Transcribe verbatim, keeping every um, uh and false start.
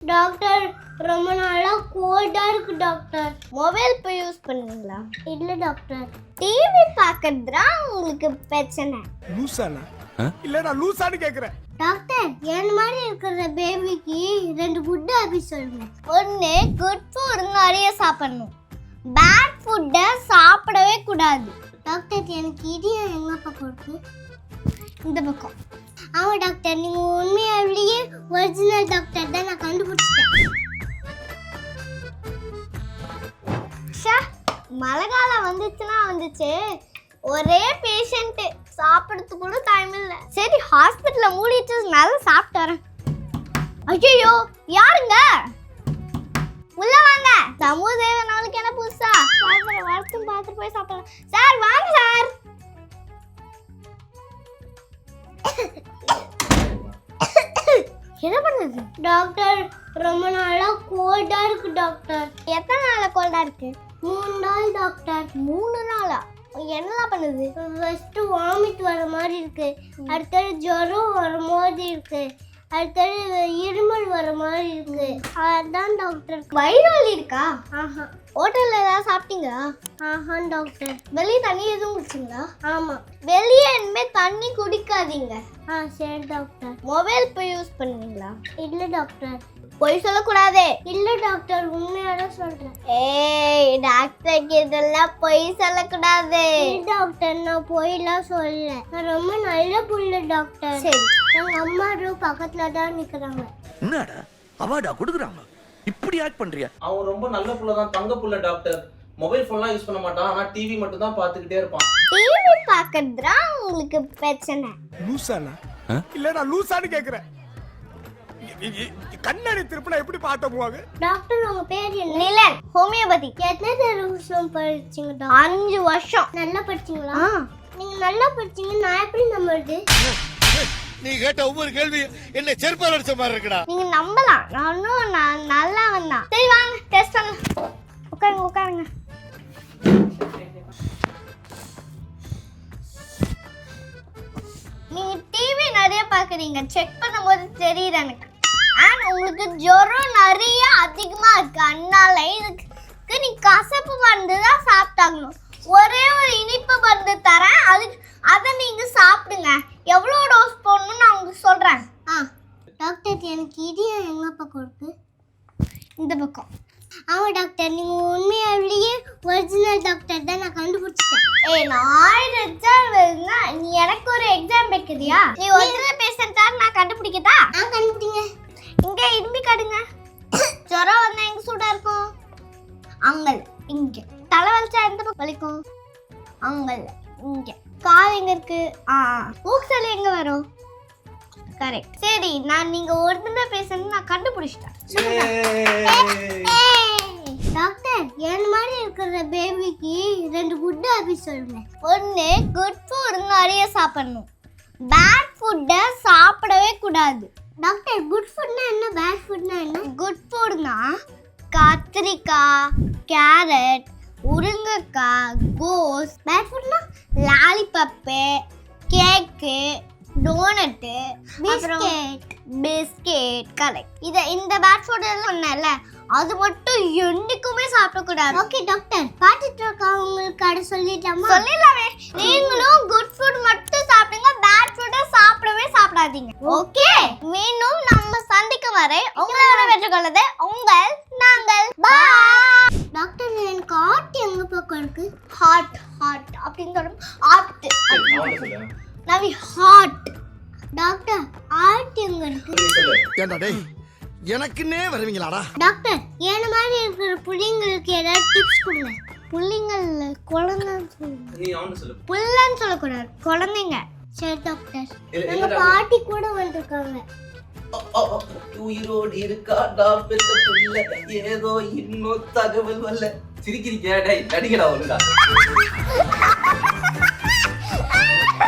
Doctor ரொம்ப நாளா கோல்டா இருக்கு டாக்டர். மொபைல் இப்போ யூஸ் பண்ணுவீங்களா? இல்ல டாக்டர். டிவி பார்க்கறதுனா உங்களுக்கு பிரச்சனை. லூசானா? இல்ல நான் லூசான்னு கேக்குறேன். டாக்டர் என் மாதிரி இருக்கிற பேபிக்கு ரெண்டு ஃபுட் ஹாபிட் சொல்லுங்க. ஒன்று குட் ஃபுட் நிறைய சாப்பிடணும், பேட் ஃபுட்டை சாப்பிடவே கூடாது. டாக்டர் எனக்கு இடியா எங்க பக்கம் இருக்கு? இந்த பக்கம். ஆமா டாக்டர், நீங்க உண்மையாவிலேயே ஒரிஜினல் டாக்டர் தான், நான் கண்டுபிடிச்சிட்டேன். மழை காலம் வந்துச்சுன்னா வந்துச்சு, ஒரே பேஷண்ட் சாப்பிட்றதுக்கு கூட டைம் இல்லை. சரி ஹாஸ்பிட்டலில் மூடிட்டு நல்லா சாப்பிட்டு வரேன். ஐயோ யாருங்க? உள்ள வாங்க. சமூக சேவை நாளுக்கு என்ன புதுசா வரட்டும், பார்த்துட்டு போய் சாப்பிடலாம். சார் வாங்க சார். என்ன பண்ணுது? டாக்டர் ரொம்ப நாளா கோல்டா இருக்கு டாக்டர். எத்தனை நாளா கோல்டா இருக்கு? மூணு நாள் டாக்டர். மூணு நாளா? என்னலாம் பண்ணுது? ஃபர்ஸ்ட் வாமிட் வர மாதிரி இருக்கு, அடுத்தது ஜுரம் வர மாதிரி இருக்கு, அடுத்தது இருமல் வர மாதிரி இருக்கு. அதான் டாக்டர். வயிறு வலி இருக்கா? ஆஹா. ஹோட்டல்ல ஏதாவது சாப்பிட்டீங்களா? ஆஹா டாக்டர். வெளியே தண்ணி எதுவும் குடிச்சிங்களா? ஆமா. வெளியே இனிமே தண்ணி குடிக்காதீங்க. ஆ சரி டாக்டர். மொபைல் இப்போ யூஸ் பண்ணுவீங்களா? இல்ல டாக்டர். பொய் சொல்லக்கூடாது. இல்ல டாக்டர், உண்மையாட சொல்றேன். ஏய் டாக்டருக்கு இதெல்லாம் பொய் சொல்லக்கூடாது. இல்ல டாக்டர், நான் பொய்லாம் சொல்லல, நான் ரொம்ப நல்ல புள்ள டாக்டர். சரி. எங்க அம்மா பக்கத்துல தான் நிக்கிறாங்க. என்னடா அவார்டா கொடுக்குறாங்க, இப்படி ஆக்ட் பண்றியா? அவன் ரொம்ப நல்ல புள்ள தான், தங்க புள்ள டாக்டர். மொபைல் ஃபோன்லாம் யூஸ் பண்ண மாட்டான், ஆனா டிவி மட்டும் தான் பார்த்துக்கிட்டே இருப்பான். டிவி பார்க்கறதுனா உங்களுக்கு பிரச்சனை. லூசானா? இல்ல நான் லூசான்னு கேக்குறேன். கண்ணாடி திருப்பினா எப்படி பார்த்த போவாங்க? டாக்டர் உங்க பேர் என்ன? நிலன். ஹோமியோபதி. எத்தனை வருஷம் படிச்சீங்க டாக்டர்? அஞ்சு வருஷம். நல்லா படிச்சீங்களா? நீங்க நல்லா படிச்சீங்க, நான் எப்படி நம்புறது? நீ கேட்ட ஒவ்வொரு கேள்வி என்ன செருப்பால் அடிச்ச மாதிரி இருக்குடா. நீங்க நம்பலாம், நானும் நான் நல்லா வந்தான். சரி வாங்க டெஸ்ட் பண்ணலாம். உட்காருங்க உட்காருங்க. நீங்க டிவி நிறைய பாக்குறீங்க, செக் பண்ணும்போது தெரியுது எனக்கு. அண்ட் உங்களுக்கு ஜுரம் நிறைய அதிகமா இருக்கு, அதனால இதுக்கு நீ கசப்பு மருந்து தான் சாப்பிட்டாகணும். ஒரே ஒரு இனிப்பு மருந்து தரேன், அதுக்கு அதை நீங்க சாப்பிடுங்க. எவ்வளோ டோஸ் போடணும்னு நான் உங்களுக்கு சொல்றேன். ஆ டாக்டர், எனக்கு இடியா எங்க பக்கம் இருக்கு? இந்த பக்கம். ஆமா டாக்டர், நீங்க உண்மையாவிலேயே ஒரிஜினல் டாக்டர் தான், நான் கண்டுபிடிச்சிட்டேன். ஏய் நான் எக்ஸாம் எழுதுனா நீ எனக்கு ஒரு எக்ஸாம் வைக்கிறியா? நீ ஒரிஜினல் பேஷண்டா நான் கண்டுபிடிக்கதா? ஆ கண்டுபிடிங்க. இங்க இரும்பி காடுங்க. ஜுரம் வந்தா எங்க சூடா இருக்கும்? அங்கல் இங்க. தலை வலிச்சா எந்த பக்கம் வலிக்கும்? அங்கல் இங்க. கால் எங்க இருக்கு? ஆ மூக்கு எங்க வரும்? கரெக்ட். சரி, நான் நீங்க ஒரிஜினல் பேஷண்ட் நான் கண்டுபிடிச்சிட்டேன். டாக்டர் என் மாதிரி இருக்கிற பேபிக்கு ரெண்டு ஃபுட் ஹாபிட் சொல்லுங்க. ஒன்று குட் ஃபுட் நிறைய சாப்பிடணும், பேட் ஃபுட்டை சாப்பிடவே கூடாது. டாக்டர் குட் ஃபுட்னா என்ன, பேட் ஃபுட்னா என்ன? குட் ஃபுட்னா கத்திரிக்காய், கேரட், உருங்கக்காய், கோஸ். பேட் ஃபுட்னா lollipop, cake, donut, biscuit. Biscuit correct. இதை இந்த பேட் ஃபுட் சொன்னேன்ல, அது மட்டும் என்னைக்குமே சாப்பிடக்கூடாது. ஓகே டாக்டர், பார்த்துட்டு இருக்கவங்களுக்கு கடை சொல்லிட்டாமா? சொல்லிடலாமே. நீங்களும் குட் ஃபுட் மட்டும் சாப்பிடுங்க, பேட் ஃபுட்டை சாப்பிடவே சாப்பிடாதீங்க. ஓகே, மீண்டும் நம்ம சந்திக்கும் வரை உங்களை பெற்றுக்கொள்வது உங்கள் நாங்கள். பாய். டாக்டர் எனக்கு ஹார்ட் எங்க பக்கம் இருக்கு? ஹார்ட் ஹார்ட் அப்படின்னு சொல்லும். ஹார்ட் நவி ஹார்ட். டாக்டர் ஹார்ட் எங்க இருக்கு? ஏண்டா டேய் எனக்குன்னே வருவீங்களாடா? டாக்டர் என்ன மாதிரி இருக்கிற புள்ளைங்களுக்கு ஏதாவது டிப்ஸ் கொடுங்க. புள்ளைங்கள்ல குழந்தைன்னு சொல்லுங்க. நீ அவனு சொல்லு. புள்ளன்னு சொல்லக்கூடாது, குழந்தைங்க. சரி டாக்டர், இல்ல, எங்க இல்ல பாட்டி கூட வந்திருக்காங்க. உயிரோடு இருக்காடா பெத்த புள்ள, ஏதோ இன்னும் தகவல் வரல. சிரிக்கிறீங்க, டேய் நடிகடா ஒழுங்கா.